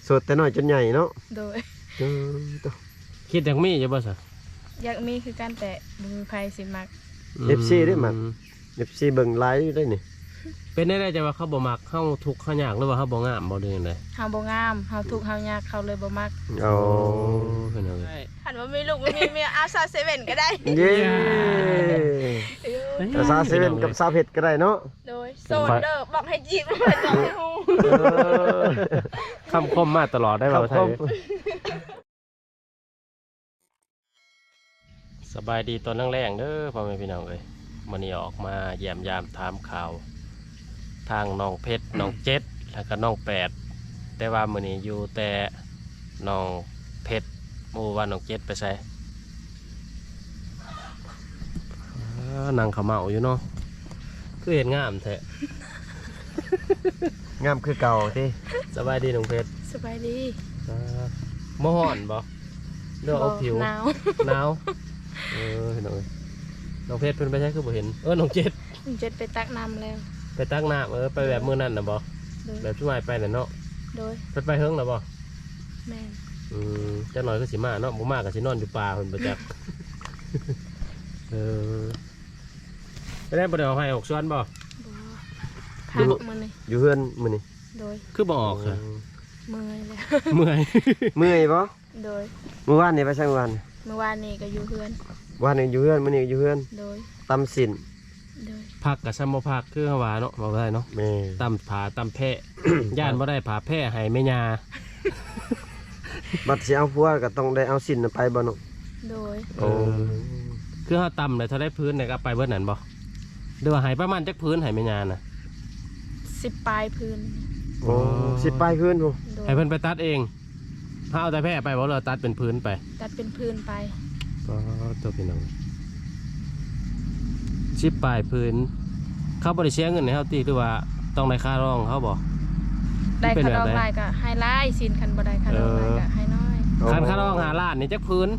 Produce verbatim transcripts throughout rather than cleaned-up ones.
โสดแต่น้อยจนใหญ่เนาะโดยเออตัวคิดอยากมีอยู่บ่ซะอยากมีคือการแต่บ่มีไผสิมักเอฟซีได้มักเอฟซีเบิ่งไลฟ์อยู่ได้นี่เป็นได้ได้จะว่าเขาบ่มักเฮาทุกข์เฮายากหรือว่าเฮาบ่งามบ่เดือนใดเฮาบ่งามเฮาทุกข์เฮายากเขาเลยบ่มักอ๋อเป็นเอาเลยคันว่ามีลูกบ่มีเมียอาซาเซเว่นก็ได้เย้แต่ซาเซเว่นกับซาเผ็ดก็ได้เนาะโดยโซนเด้อบอกให้จีบบ่ต้องให้ฮู้เออคำคมมาตลอดได้บ่าไทยสบายดีตอนแรงๆเด้อพ่อแม่พี่น้องเอ้ยมื้อนี้ออกมาเยี่ยมยามถามข่าวทางน้องเพชรน้องเจ็ดแล้วก็น้องแปดแต่ว่ามื้อนี้อยู่แต่น้องเพชรหมู่ว่าน้องเจ็ดไปไสเออนั่งเขม่าอยู่เนาะคือเห็นงามแท้งามคือเก่าที่สบายดีน้องเพชรสบายดีมอห่อนบ่เลือกเอาผิวหนาวหนาวเออเห็นเอาน้องเพชรเพิ่นไปใช้คือบ่เห็นเออน้องเจ็ดเจ็ดไปตักน้ำแล้วไปตักน้ำเออไปแบบมื้อนั้นน่ะบ่โดยแบบช่วยไปน่ะเนาะโดยเพิ่นไปเฮิงแล้วบ่แม่นอืมจักหน่อยก็สิมาเนาะบ่มาก็สินอนอยู่ป่าเพิ่นบ่จัก เออไปได้บ่ได้เอาให้ออกสวนบ่บ่พักมื้อนี้อยู่เฮือนมื้อนี้โดยคือบ่ออกค่ะเมื่อยแล้วเมื่อยเมื่อยบ่โดยเมื่อวานนี่ไปใช่เมื่อวานเมื่อวานนี้ก็อยู่เฮือนวันนี้อยู่เฮือนมื้อนี้อยู่เฮือนโดยตำสินโดยพักก็ซ้ำบ่พักคือเฮาว่าเนาะบ่ได้เนาะแม่ตำผาตำแพะ ย่านบ่ได้ผาแพะให้แม่ย่าบัดสิเอาผัวก็ต้องได้เอาสินน่ะไปบ่เนาะโดยโอ้คือเฮาตำเลยเท่าได้พื้นเนี่ยก็ไปเบิดนั่นบ่หรือว่าให้ประมาณจักพื้นให้แม่ย่าน่ะสิบปลายพื้นโอ้สิไปคืนพุ่นโดยให้เพิ่นไปตัดเองถ้าเอาแต่แพะไปบ่เราตัดเป็นพื้นไปตัดเป็นพื้นไปก็ตัวพี่น้องชิปปลายพื้น เขาบริเชียเงินในเขาตีหรือว่าต้องได้ค่าร้องเขาบอกได้เป็นคาแบบดองไหนลายก็ให้ไล่สินคันบ่ได้คาดองลายก็ให้น้อยคันค่าร้องหาล้านนี่จักพื้น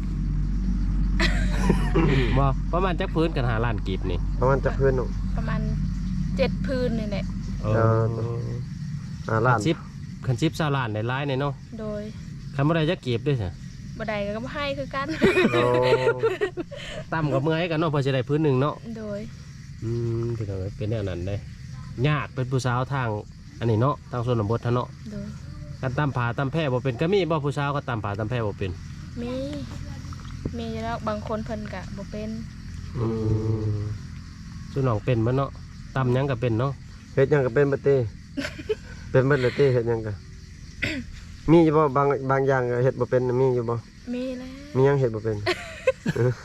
บอกประมาณจักพื้นกันหาล้านกีบนี่ประมาณจะคืนเนาะประมาณเจ็ดพื้นนี่แหละเออ่าล้าคันนชิปคันชิปซาล้านในร้ายในเนาะโดยคันบ่ได้จักกีบด้วยสิบ่ได้ก็บ่ให้คือกันโอ้ต่ำกับเมื่อยกันเนาะเพื่อจะได้พื้นหนึ่งเนาะโดยอืมพี่น้องเป็นแนวนั้นได้ยากเป็นผู้สาวทางอันนี้เนาะทางส่วนบททางเนาะโดยการตามผาตามแพร่บ่เป็นก็มีบ่ผู้สาวก็ตามผาตามแพร่บ่เป็นมีมีแล้วบางคนเพิ่นก็บ่เป็นอืมส่วนน้องเป็นมันเนาะตำหยังก็เป็นเนาะเฮ็ดหยังก็เป็นบ่เต้ เป็นเบิดเลยเต้เฮ็ดหยังก็ มีอยู่บ่บางบางอย่างก็เฮ็ดบ่เป็นน่ะมีอยู่บ่มีแล้วมีหยังเฮ็ดบ่เป็น เออ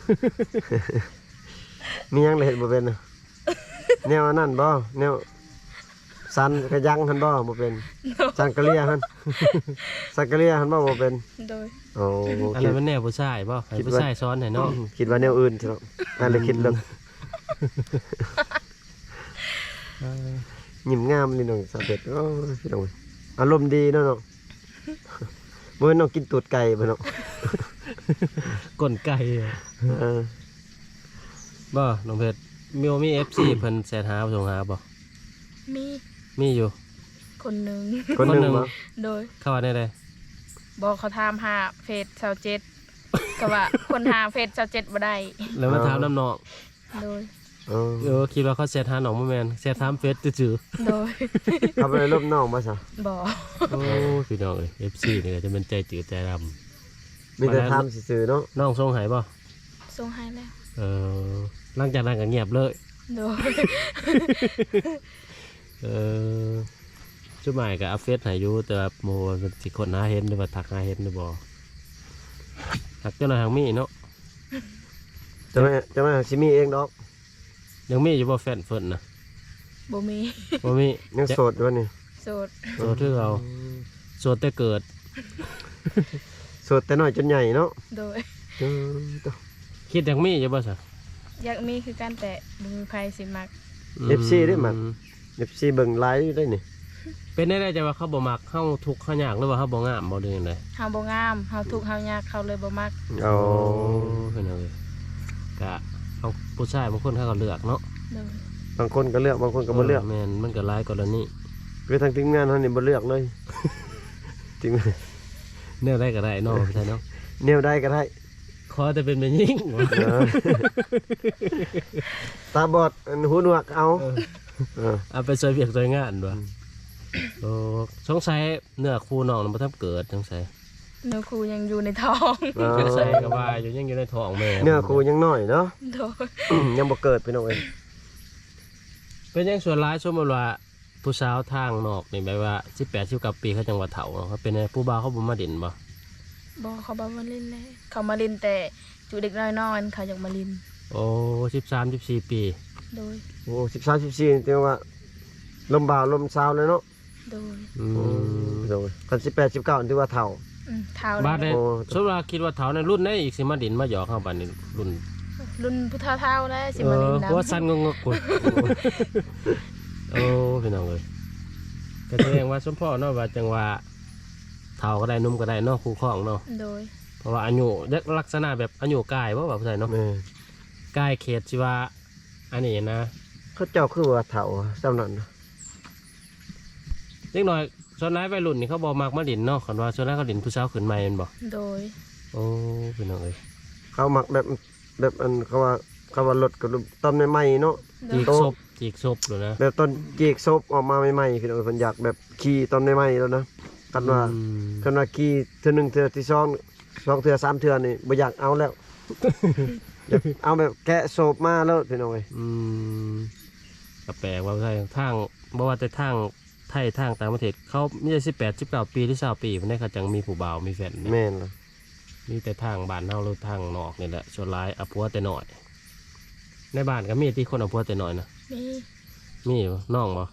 มีหยังเลยเฮ็ดบ่เป็นน่ะแนวอันนั้นบ่แนวสันกระยังหั่นบ่บ่เป็นสันกะเลียหั่น สันกะเลียหั่นบ่บ่เป็นโดยโอ้อันคินั้ดนมันแนวผู้ชายบ่ให้คิดว่าผู้ชายสอนให้เนาะคิดว่าแนวอื่นใช่เนาะนั่นเลยคิดเรื่องยิ้มงามนี่น้องสาวเป็ดโอ้ยพี่น้องอารมณ์ดีเนาะเนาะมื้อน้องกินตูดไก่บ่เนาะก้นไก่อะเออบ่น้องเพชรมีบ่มี เอฟ ซี เพิ่นแชทหาส่งหาบ่มีมีอยู่คนหนึงคนหนึงคนหนึ่งบ่โดยเข้าว่าได้เลยบอกเขาถามหาเฟซเซาเจ็ดก็ว่าคนหาเฟซเซาเจ็ดบ่ได้แล้วมาถามน้ำน้องโดยเออเออคิดว่าเขาแชทหาน้องบ่แม่นแชทถามเฟซซื่อโดยเขาไปลบน้องบ่ซะบอกๆโอ้พี่น้องเอ้ย เอฟ ซี นี่ก็จะเป็นใจจืดใจดำมีแต่ถามซื่อๆเนาะน้องส่งให้บ่ส่งให้แล้วเออหลังจากนั้นก็เงียบเลยโดยเออจุดหมายกับอัพเฟซให้อยู่แต่ว่าโมมันสิคนหาเห็นหรือว่าทักหาเห็นหรือบ่ทักเจ้าหน้าทางมีเนาะจะไม่จะไม่สิมีเองดอกยังมีอยู่บ่แฟนเฟิร์นนะบ่มีบ่มียังโสดอยู่วะนี่โสดโสดคือเราโสดแต่เกิดโสดแต่น้อยจนใหญ่เนาะโดยเออตัวคิดยังมีอยู่บ่ซะอยากมีคือการแต่บ่มีไผสิมักเอฟซีได้มัก เอฟซีเบิ่งไลฟ์อยู่ได้นี่เป็นได้ได้จะว่าเขาบ่มักเฮาทุกข์เฮายากหรือว่าเฮาบ่งามบ่เดือนใดเฮาบ่งามเฮาทุกข์เฮายากเขาเลยบ่มักเอาเพิ่นเอาเลยกะเอาผู้ชายบางคนเขาก็เลือกเนาะโดยบางคนก็เลือกบางคนก็บ่เลือกแม่นมันก็หลายกรณีคือทางทีมงานเฮานี่บ่เลือกเลยจริงแนวได้ก็ได้เนาะใช่เนาะแนวได้ก็ได้ขอแต่เป็นแม่ยิ่งเออตาบอดอันหูหนวกเอาเออเอาไปช่วยเวียกช่วยงานด้วยโอ้สงสัยเนื้อคู่น้องมันบ่ทันเกิดสงสัยเนื้อครูยังอยู่ในท้องเออสงสัยก็ว่าอยู่ยังอยู่ในท้องแม่เนื้อครูยังน้อยเนาะโดยยังบ่เกิดพี่น้องเอ้ยเป็นยังส่วนร้ายสมมติว่าผู้สาวทางนอกนี่แบบว่าสิบแปดสิบเก้าปีเขาจังหวัดเถาเนาะเขาเป็นไงผู้บ่าวเขาบ่มาเด่นบ่บอกเขาบอกมาเล่นเลยเขามาเล่นแต่จุเด็กน้อยนอนเขาอยากมาเล่นโอ้สิบสามสิบสี่ปีโดยโอ้สิบสามสิบสี่เรียกว่าลมบ่าวลมสาวเลยเนาะโดยอือืมมโดยคันสิบแปดสิบเก้าถือว่าเฒ่าอืมเท้าบ้านเลเนี่ยยโอ้สมมติว่าคิดว่าเถาในรุ่นไหนอีกสิมาเด่นมาหยอกเข้าบ้านนี่รุ่นรุ่นผู้เท่าเท่าๆแล้วสิเอมาอเล่นหัวน้ำสั้นงงๆกุดโอ้พี่น้องเลยก็แสดงว่าสมพ่อเนาะว่าจังว่าเถาก็ได้หนุ่มก็ได้เนาะคู่ครองเนาะโดยเพราะว่าอายุลักษณะแบบอายุกายว่าแบบไทยเนาะแม่กายเขตสิว่าอันนี้นะเขาเจ้าคือว่าเฒ่าจำนั้นนะเล็กน้อยส่วนร้ายวัยรุ่นนี่เขาบอกมากมาดินเนาะคันว่าส่วนร้ายเขาดินผู้สาวขึ้นใหม่แม่นบ่โดยโอ้พี่น้องเอ้ยเขามักแบบแบบอันเขาว่าเขาว่ารถกับต้นใหม่ๆเนาะโดจียกศพจีกศพเลยนะแบบต้นจีกซบออกมาใหม่ๆพี่น้องเพิ่นอยากแบบขี่ต้นใหม่ๆแล้วนะกันว่าอืมกันว่าขี่เทื่อหนึงเทื่อที่สองสองเทื่อสามเทื่อนี่บ่อยากเอาแล้ว อยากเอาแบบแกะโซบมาแล้วพี่น้องเอ้ยอืมก็แปลกว่าไทยทางบ่ว่าแต่ทางไทยทางต่างประเทศเขามีแต่สิบแปดสิบเก้าปีหรือสาวปีเพิ่นได้เขาจังมีผู้บ่าวมีแฟนแม่นล่ะมีแต่ทางบ้านเฮาหรือทางนอกนี่แหละส่วนร้ายเอาผัวแต่น้อย ในบ้านก็มีที่คนเอาผัวแต่น้อยนะนี่มีบ่น้องบ่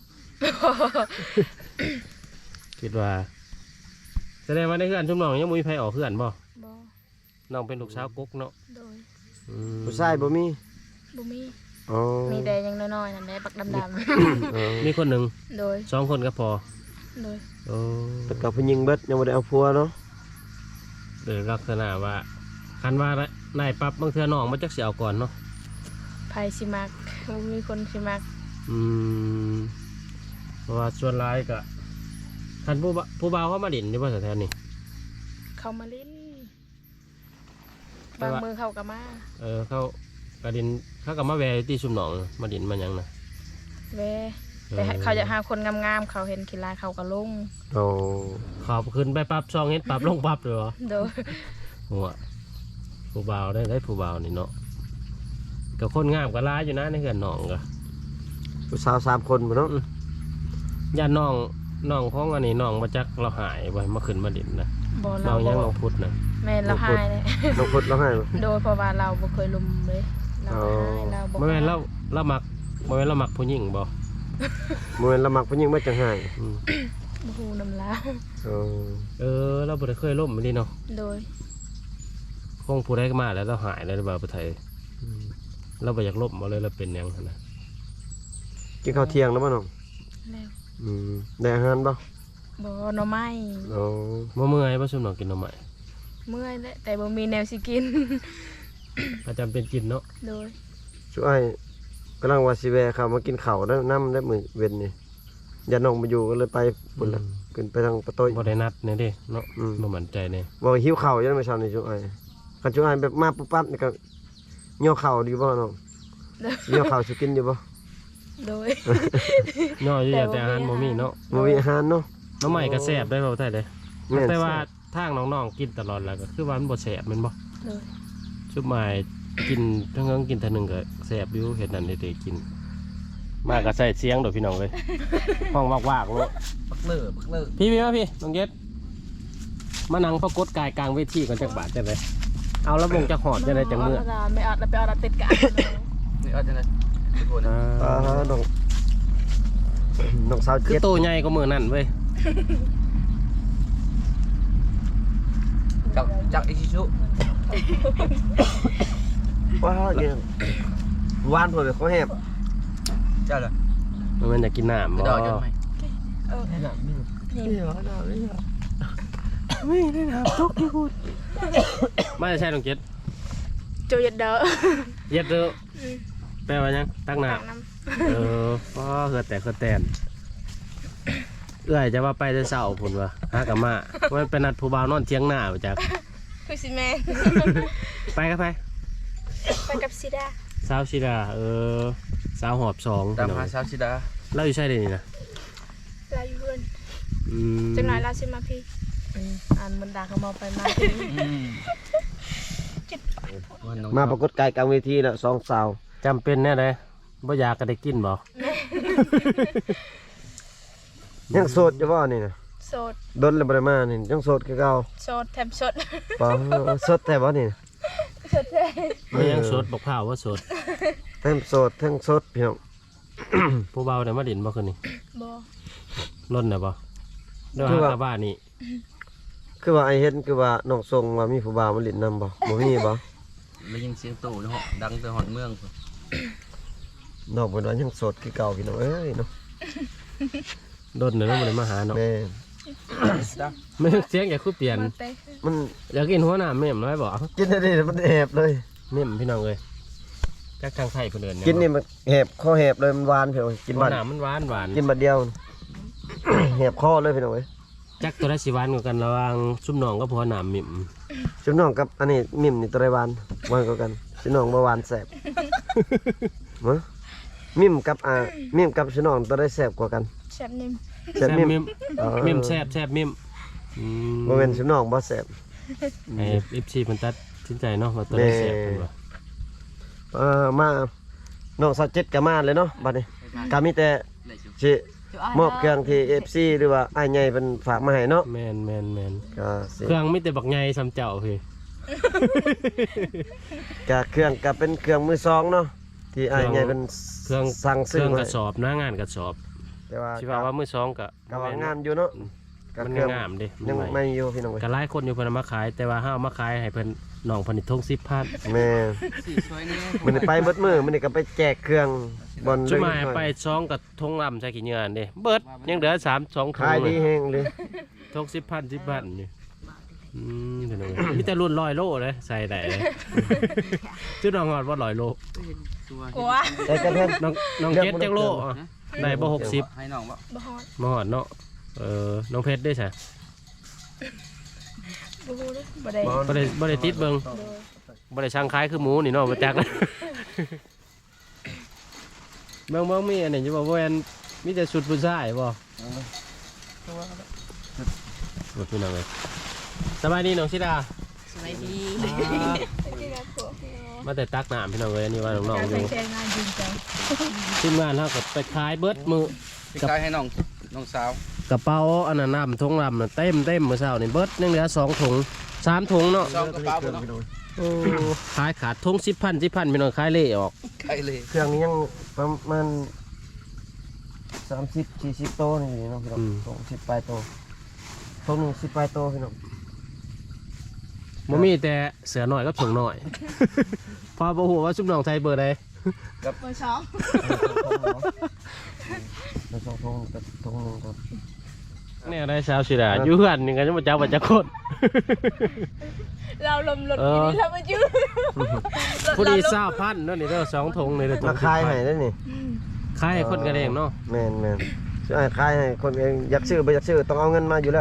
คิดว่าแสดงว่าในเพื่อนชุมน้องยังบ่มีไผออกเพื่อนบ่บอน้องเป็นลูกสาวกุ๊กเนาะโดยอืมผู้ชายบ่มีบุมีอ๋อมีแต่ยังน้อยๆนั่นแหละปักดำเออมีคนหนึ่งๆ โดยสองคนก็พอโดยโอ้แต่กับผู้หญิงเบิดยังบ่ได้เอาผัวเนาะโดยลักษณะว่าคันว่านายปรับบางเทื่อน้องมาจักสิเอาก่อนเนาะไผสิมักบ่มีคนสิมักอืมเพราะว่าส่วนร้ายก็คันผู้บ่ผู้บ่าวเขามาดินอยู่บ่แถวๆนี้เขามาเล่นแต่บางว่ามือเขาก็มาเออเขากระดินเขาก็มาแวอยู่ที่ชุมหนองมาดินมาหยังนะแวแต่ให้เขาอยากหาคนงามๆเขาเห็นกีฬาเขาก็ลงโอ้ขอบขึ้นไปปรับซองเฮ็ดปรับลงปรับเลยเหรอโดยหัวผู้บ่าวได้ได้ผู้บ่าวนี่เนาะกับคนงามก็ร้ายอยู่นะในเหือนน้องก็ผู้สาวสามคนบ่เนาะญาติน้องน้องของอันนี้น้องมาจักเราหายไว้มาขึ้นมาดินนะบ่น้เราองยังบ่น้องพุทธนะแม่นเราหายเลยน้องพุดร้องไห้บ่โดยเพราะว่าเราบ่เคยลุมเลยเราก็หายเราบ่ไม่แม่นเราเรามักไม่แม่นเรามักผู้หญิงบ่บ่แม่นละมักผู้หญิงมาจังไห้อืมบ่ฮู้นำลาวโอ้เออเราบ่ได้เคยล่มมันนี่เนาะโดยคงผู้ใดก็มาแล้วเราหายแล้วบ่าวประไทยเราบ่อยากล่มมาเลยเราเป็นหยังหั่นนะกินข้าวเที่ยงแล้วบ่น้องแล้วอืมได้อาหารบ่บ่หน่อไม้โอ้บ่เมื่อยบ่ซุมน้องกินหน่อไม้เมื่อยแล้วแต่บ่มีแนวสิกินก็จำเป็นกินเนาะโดยช่วยกำลังว่าสิแวะเข้ามากินข้าวแล้วนำได้มื้อเว้นนี่อย่าน้องมาอยู่ก็เลยไปพุ่นละขึ้นไปทางประตูบ่ได้นัดเนี่ยเด้เนาะอืมบ่มั่นใจเนี่ยบอกหิวข้าวอยังไม่เช้านี่ช่วยคันช่วยแบบมาปุ๊บปั๊บนี่ก็เหี่ยวข้าวดีบ่น้องโดยเหี่ยวข้าวสิกินอยู่บ่โดยย่ออยู่อย่างแต่อาหารบ่มีเนาะบ่มีอาหารเนาะหน้องใหม่ก็แซ่บได้บ่าวไทยเด้แม่นแต่ว่าทางน้องๆกินตลอดแล้วก็คือว่ามันบ่แซ่บแม่นบ่โดยชุบใหม่กินทั้งเงินกินเท่านึงก็แซ่บอยู่เฮ็ดนั่นเด้กิน มาก็ใส่เสียงดอกพี่น้องเอ้ยห้องวากๆโลดปักเลิกปักเลิกพี่พี่มาพี่น้องเย็ดมานั่งประกฏกายกลางเวทีก่อนจักบาทจังไดเอาแล้ววงจักหอดจังไดจังมื้อไม่ออดแล้วไปออดแล้วติดกันนี่เอาจังไงทุกคนอ่อ่าาน้องน้องสาวคือเจ็ดโตใหญ่กว่ามื้อนั่นเว้ยจับจับอิชิชุว้าวเนี่ยหวานเพิ่นเขาแฮบเจ้าเลยมันจะกินน้ำไปบ่ดอกจังไหมเออนี่น่ะนี่นี่นี่เหรอน้ำนี่เหรอไม่ได้น้ำทุกที่พูดมาจะใช่น้องเจ็ดโจยดเด้อเย็ดเด้อแปลว่าหยังตักน้ตักน้ำเออพ่อเกิดแต่เกิดแตนเอื้อยจะว่าไปแต่เช้าพุ่นว่าหากะมามันเป็นนัดผู้บ่าวนอนเที่ยงหน้าบ่จักคือสิแม่ไปกับไปไปกับซิดาสาวชิดาเออสาวหอบสองตามพี่น้องหาสาวชิดาเราอยู่ใช่เดี๋ยวนี้นะลาอยู่เพื่อนอืมจังหน่อยลาสิมาพี่อ่านมันด่าเขามองไปมามาปรากฏกายกลางเวทีแล้วสองสาวจำเป็นแน่เลยบ่อยากก็ได้กินบ่ยังโสดอยู่บ่นี่นะโสดดนเลยบ่ได้มานี่ยังโสดคือเก่าโสดแถมสดบ่โสดแต่บ่นี่นะสดแท้มันยังสดบอกข้าวว่าสดเทั้งโสดเทั้งสดพี่น้องผู้เบาเนี่ยมาดินบ่คืนนี้บ่ล้นเนี่ยบ่เดี๋ยวหากลับบ้านนี่คือว่าไอเห็นคือว่าน้องทรงว่ามีผู้บ่าวมาเลินนำบ่บ่มีบ่ได้ยินเสียงโตในห้องดังแต่หอนเมืองน้องเพิ่นว่ายังโสดคือเก่าพี่น้องเอ้ยเนาะล้นเนี่ยต้องมาเลยมาหาเนาะแม่ไม่เสียงอย่าคือเปลี่ยนมาเต้มันอยากกินหัวหน้าเม่มน้อยบ่กินได้ดิมันแหบเลยเม่มพี่น้องเลยจักทางไทยเพิ่นเดินเยกินนี่มันแหบคอแหบเลยมันหวานเพียวกินหัวบัดหน้ามันหวานหวานกินบัดเดียว แหบคอเลยพี่น้องเอ้ยจักตัวได้สิหวานกว่ากันระหว่างซุ่มน้องกับหัวหน้าเม่มชุบน้องกับอันนี้มิ่มนี่ตัวใดหวานหวานกว่ากันชุบน้องบ่หวานแซ่บ มะมิ่มกับอ่ามิ่มกับชุบน้องตัวใดแซ่บกว่ากันแซ่บนิ่มแซ่บมิ่มเม่มอ๋อเม่มแซ่บแซ่บเม่มอืมบ่แม่นชุบน้องบ่แซ่บไอ้ เอฟ ซี เพิ่นตัดสินใจเนาะว่าตัวได้แซ่บเพิ่นว่าเอ่อมาน้องสาวเจ็ดก็มาเลยเนาะบัดนี้ก็มีแต่สิมอบเครื่องที่ เอฟ ซี หรือว่าอ้ายใหญ่เพิ่นฝากมาให้เนาะแม่นแม่นแม่นก็สิเครื่องมีแต่บักใหญ่ซ้ำเจ้าพี่ก็เครื่องก็เป็นเครื่องมือสองเนาะที่อ้ายใหญ่เพิ่นเครื่องสั่งเคซื้อรื่องมากระสอบนะงานกระสอบแต่ว่าสิว่าว่ามือสองก็ก็ว่างามอยู่เนาะก็มันเครื่องงามเด้ยังมันใหม่ไม่อยู่พี่น้องเอ้ยก็หลายคนอยู่เพิ่นเอามาขาย แต่ว่าเฮาเอามาขายให้เพิ่นน้องเพิ่นนี่ทงสิบพันแม่สีสวยนี่มันได้ไปเบิดมือมันนี่ก็ไปแจกเครื่องบอลจุเล็กมาน้อยไปสองกับทงลำใส่กี่เงินเด้เบิดยังเหลือสาม สองทขาง ยเลดียแฮงเลยทงสิบพันสิบพันนี่อืมเพิ่นเอาไว้มีแต่รุ่นร้อยโลเลยใส่ได้เลยจุดน้องฮอดว่าร้อยโลกลัวแต่กระเทือนน้องน้องเจ็ดจังโลอ่ะได้บ่หกสิบให้น้องบ่บ่ฮอดบ่ฮอดเนาะเออน้องเพชรได้ใช่บ่ฮู้เด้อบ่ได้บ่ได้บ่ได้ติดเบิ่งโดยบ่ได้ช่างคล้ายคือหมูนี่เนาะบ่จัก เบิ่งเบิ่งมีอันนี้อยู่บ่แม่นมีแต่ชุดผู้ชายบ่บ่พี่น้องเอ้ยสบายดีน้องสิดาสวัสดีที่รักผัวพี่น้องมาแต่ตักน้ำพี่น้องเอ้ยอันนี้ว่าน้องการๆอยู่ใช้งานจริงจังทีมงานเฮาก็ไปขายเบิดมื้อพี่กายให้น้องน้องสาวกระเป๋าอันนั้นน้ำถุงลำน่ะเต็มเต็มมื้อเช้านี่เบิดยังเหลือสองถุงสามถุงเนาะซองกระเป๋าบ่เนาะโอ้ขายขาดถุงสิบพันสิบพันพี่น้องขายเละออกใกล้เลยเครื่องนี้ยังประมาณสามสิบสี่สิบโตนี่เนาะพี่น้องสองสิบปลายโตตรงหนึงสิบปลายโตพี่น้องบ่มีแต่เสือหน่อยกับส่งหน่อย พอบ่ฮู้ว่าซุปน้องไทยเบอร์ใดเบอร์สองแล้วสองทงกับทงหนึงครับเนี่ยได้สาวสิดาอยู่เฮือนนี่ก็ยังบ่จักว่าจักคนเราลมรถเออกินเรามายืนผู้ดีเศร้าพันเนาะนี่เด้อสองถุงนี่เด้อถุมาง ขายให้ได้นี่ขายให้คนกันเองเนาะแม่นแม่นซื้อให้ขายให้คนเองอยากซื้อบ่อยากซื้อต้องเอาเงินมาอยู่แล้ว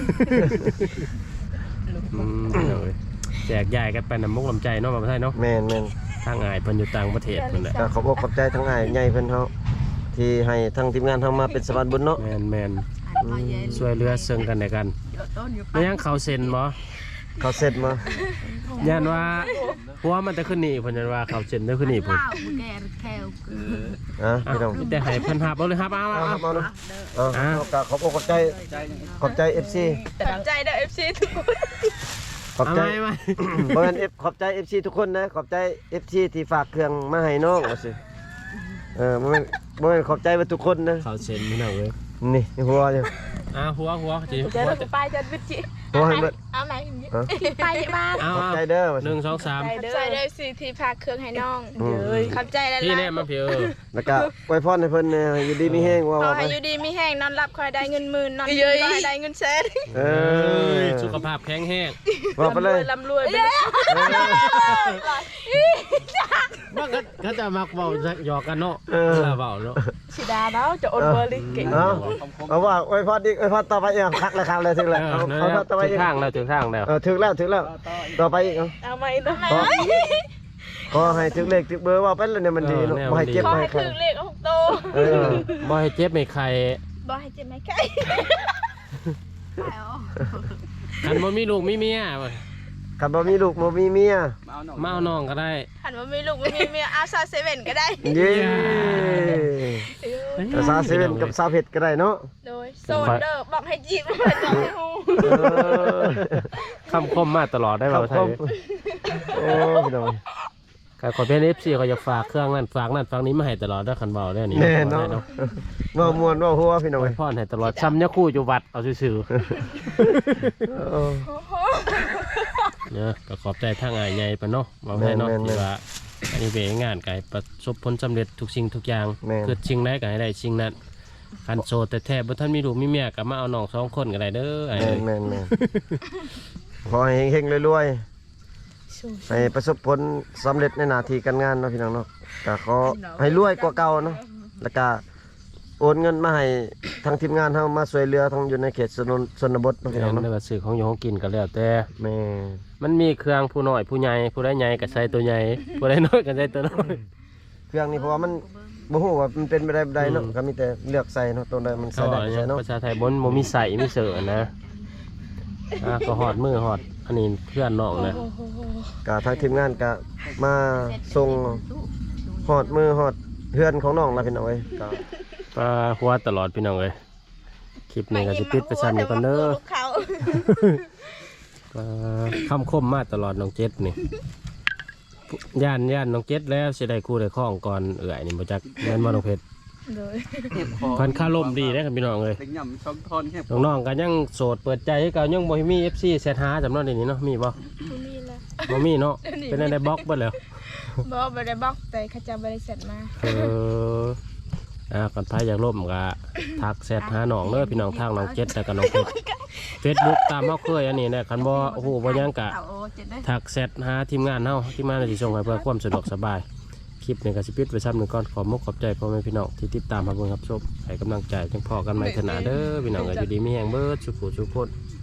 อืมพี่น้องเอ้ยแจกจ่ายกันไปน้ำมุกน้ำใจเนาะบ่ใช่เนาะแม่นแม่นทางอายเพิ่นอยู่ต่างประเทศเพิ่นแหละก็ขอบอกขอบใจทั้งอ้ายใหญ่เพิ่นเฮาที่ให้ทั้งทีมงานเฮามาเป็นสะพานบุญเนาะแม่นแม่นอันมาเย็นช่วยเหลือซึ่งกันและกันเดี๋ยวต้นอยู่ไม่ยังเขาเซ็นบ่เขาเสร็จมายันว่าหัวมันจะขึ้นนี่เพิ่นยันว่าเขาเซ็นจะขึ้นนี่เพิ่นว้าวแกแควเกินอ่ะอ่ะพี่น้องมีแต่ให้เพิ่นหับเอาเลยครับเอาเอาเอาครับเอาเนาะเอาอ่ะเอาก็ขอบอกขอบใจใจหนึ่งขอบใจ เอฟ ซีแต่ใจเด้อ เอฟ ซี ทุกคนขอบเอาใจไหมไหมบ่แม่น F ขอบใจ เอฟ ซี ทุกคนนะขอบใจ เอฟ ซี ที่ฝากเครื่องมาให้น้องว่าสิเออบ่แม่นบ่แม่นขอบใจว่าทุกคนนะเขาเซ็นพี่น้องเอ้ยนี่หัวอยู่อ่ะหัวหัวจิจะหัวเราจะไปจะวิจิหัวให้เบิดเอาไหนฮะไปบ้านเอาขอบเอาใจเด้อว่าหสินึ่งสองสามใจเด้อสิที่พาเครื่องให้น้องอืมขอบใจแล้วพี่แน่มาพี่เออแล้วก็อวยพรให้เพิ่นเนี่ยอยู่ดีมีแฮงว่าขอว่าไปให้อยู่ดีมีแห้งนอนหลับคอยได้เงินหมื่นนอนกินก็ให้ได้เงินแสนเอเอออสุขภาพแข็งแรงว่าไปเลยลำรวยลำรวยไปเลยเออว่าเขาเขาจะมักเว้าหยอกกันเนาะเออเวลาเว้าเนาะสิดาแล้วจะอดเบอร์ลิเก่งเอ้าเอาว่าไว้พอดีไว้พอต่อไปอีกคักเลยคักเลยถึงเอแล้วอเอานั่นเอาแหละต่อไปถึอีงกทางแล้วถึงทางแล้วเออถึงแล้วถึงแล้วต่อไปอีกเอาเอาไหมนะขอขอให้ถึงเลขถึงเบอร์ว่าไปแล้วเนี่ยมันดีเนาะบ่ให้เจ็บขอบ่ให้ให้ใครถึงเลขหกโตเออบ่ให้เจ็บไม่ใครบ่ให้เจ็บไหมไก่ไปเอาคันบ่มีลูกมีเมียเว้ยคันบ่มีลูกบ่มีเมียมาเอาน้องก็ได้หันว่ามีลูกไม่มีเมียเอาซาเซเว่นก็ได้เย้แต่ซาเซเว่นกับซาเผ็ดก็ได้เนาะโดยโซนเดอร์บอกให้จีบบอกให้ฮู้เออคำคมมาตลอดได้ครัเว้าบไทผยมโอ้พี่น้องก็ขอเป็น เอฟ ซี เขาจะฝากเครื่องนั้นฝากนั่นฝากนี้มาให้ตลอดเด้อคันเว้าได้อนี่แน่เนาะเนาะว่ามวนว่าหัวพี่น้องไว้เอ้ยพรให้ตลอดซ้ำยะคู่อยู่วัดเอาซื่อเออๆ เนาะก็ขอบใจทางอ้ายใหญ่ปะเนาะเว้าได้เนาะแม่นๆที่ว่าอันนี้เป็นงานก็ให้ประสบผลสำเร็จทุกสิ่งทุกอย่างแม่นคือสิ่งใดก็ให้ได้สิ่งนั้นคันโสดแต่แท้บ่ทันมีลูกมีเมียก็มาเอาน้องสองคนก็ได้เด้อไอ้แม่เอ้นยแม่นแม่นขอให้เฮงๆรวยๆให้ประสบผลสำเร็จในหน้าที่การงานเนาะพี่น้องเนาะก็ขอให้รวยกว่าเก่าเนาะแล้วก็โอนเงินมาให้ทางทีมงานเฮามาช่วยเหลือทางอยู่ในเขตชนชนบทเนาะพี่น้แม่องนเนาะได้ว่าซื้อของอยู่ของกินก็แล้วแต่แม่มันมีเครื่องผู้น้อยผู้ใหญ่ผู้ได้ใหญ่ก็ใส่ตัวใหญ่ผู้ได้น้อยก็ใส่ตัวน้อยเครื่องนี้เพราะว่ามันบ่ฮู้ว่ามันเป็นไปได้บ่ได้เนาะก็มีแต่เลือกใส่เนาะตัวใดมันใส่เขาได้บอกก็อย่าใส่งเนาะภาษาไทยบนโมมีใส่มีเสือนะอ่ะก็หอดมือหอดอันนี้เพื่อนน้องนะก็ทางทีมงานก็มาส่งฮอดมือฮอดเฮือนของน้องล่ะพี่น้องเอ้ยก็ปลาหัวตลอดพี่น้องเลยคลิปนี้ก็จะปิดไปซ้ำนี่ก่อนเด้อเขาปลาคำคมมาตลอดน้องเจ็ดนี่ย่านย่านน้องเจ็ดแล้วสิได้คู่ได้ข้องก่อนเอื่อยนี่บ่จักแม่นบ่น้องเพชรโดยเห็บคอเพิ่นค่าลมดีนะครับพี่น้องเลยเป็นย่ำช่องทอนเห็บน้องๆก็ยังโสดเปิดใจให้เก่ายังบ่มี เอฟ ซี แซดหาจำเนาะเดี๋ยวนี้เนาะมีบ่ผู้มีแล้วบ่มีเนาะเป็นอะไรบล็อกเบิดแล้วบอกบ่ได้บอกแต่เขาจะบริษัทมาเอออ่าก่อนพายอยากล่มก็ทักแซดหาน้องเด้อพี่น้องทางน้องเจ็ดแล้วก็น้องเพชร Facebook ตามเฮาเคยอันนี้นะคันบ่โอ้โหบ่ยังกะเอาโอ้เจ็ดได้ทักแซดหาทีมงานเฮาทีมงานสิส่งให้เพื่อความสะดวกสบายคลิปนี้ก็สิปิดไว้ซ้ำหนึงก่อนขอมุกขอบใจพ่อแม่พี่น้องที่ติดตามมาเบิ่งรับชมให้กำลังใจจังพอกันใหม่เถอะนะเด้อพี่น้องก็อยู่ดีมีแรงเบิดสุขสุขคน